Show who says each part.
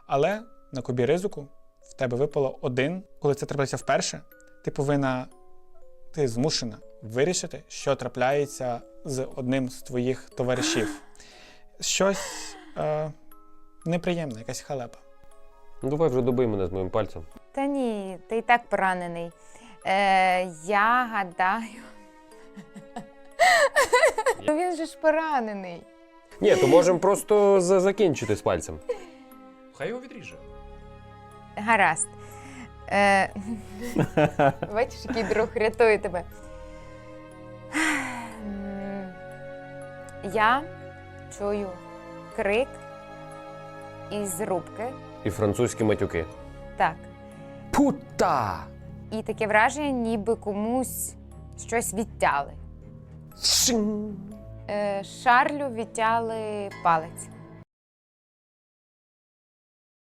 Speaker 1: Але на кубі ризику в тебе випало 1. Коли це трапляється вперше, ти змушена вирішити, що трапляється з одним з твоїх товаришів. Щось неприємне, якась халепа.
Speaker 2: Ну давай вже добий мене з моїм пальцем.
Speaker 3: Та ні, ти і так поранений. Я гадаю. Він же ж поранений.
Speaker 2: Ні, то можемо просто закінчити з пальцем.
Speaker 4: Хай його відріже.
Speaker 3: Гаразд. Бачиш, який друг рятує тебе. Я чую крик із рубки.
Speaker 2: І французькі матюки.
Speaker 3: Так.
Speaker 2: Пута!
Speaker 3: І таке враження, ніби комусь щось відтяли. Шарлю відтяли палець.